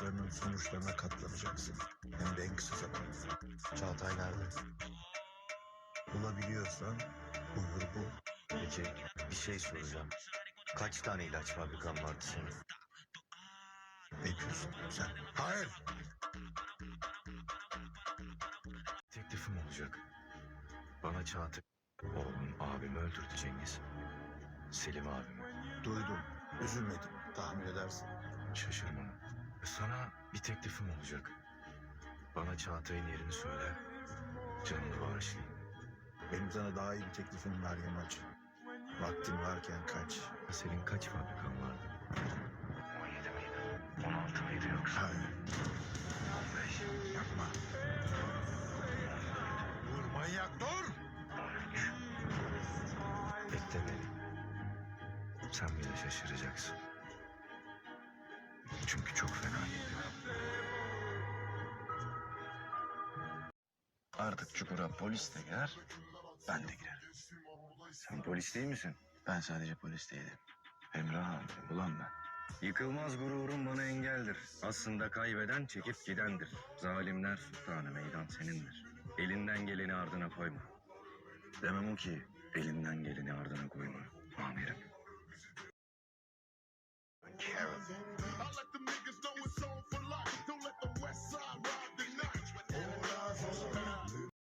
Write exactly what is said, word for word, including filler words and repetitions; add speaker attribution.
Speaker 1: yaptıklarının sonuçlarına katlanacaksın. Hem de en kısa zamanda.
Speaker 2: Çağatay nerede?
Speaker 1: Bulabiliyorsan buyur bul.
Speaker 2: Peki bir şey soracağım. Kaç tane ilaç fabrikan vardı senin?
Speaker 1: Ne diyorsun sen? Hayır.
Speaker 2: Teklifim olacak. Bana Çağatay... Oğlum abimi öldürdü Cengiz. Selim abimi.
Speaker 1: Duydum. Üzülmedim. Tahmin edersin.
Speaker 2: Şaşırma. Sana bir teklifim olacak. Bana Çağatay'ın yerini söyle. Canını bağışlayayım.
Speaker 1: Benim sana daha iyi bir teklifim var Yamaç. Vaktin varken kaç.
Speaker 2: Senin kaç fabrikan vardı? on yedi miydi? on altı mıydı yoksa?
Speaker 1: Hayır.
Speaker 2: on beş.
Speaker 1: Yapma. Dur manyak dur.
Speaker 2: on üç. Bekle beni. Sen bile şaşıracaksın. Çünkü çok fena geliyor.
Speaker 3: Artık çukura polis de girer, ben de girerim.
Speaker 2: Sen polis değil misin?
Speaker 3: Ben sadece polis değilim. Emrah abi, ulan ben.
Speaker 2: Yıkılmaz gururun bana engeldir. Aslında kaybeden çekip gidendir. Zalimler sultanı meydan senindir. Elinden geleni ardına koyma. Demem o ki elinden geleni ardına koyma. Amirim.
Speaker 1: Karen.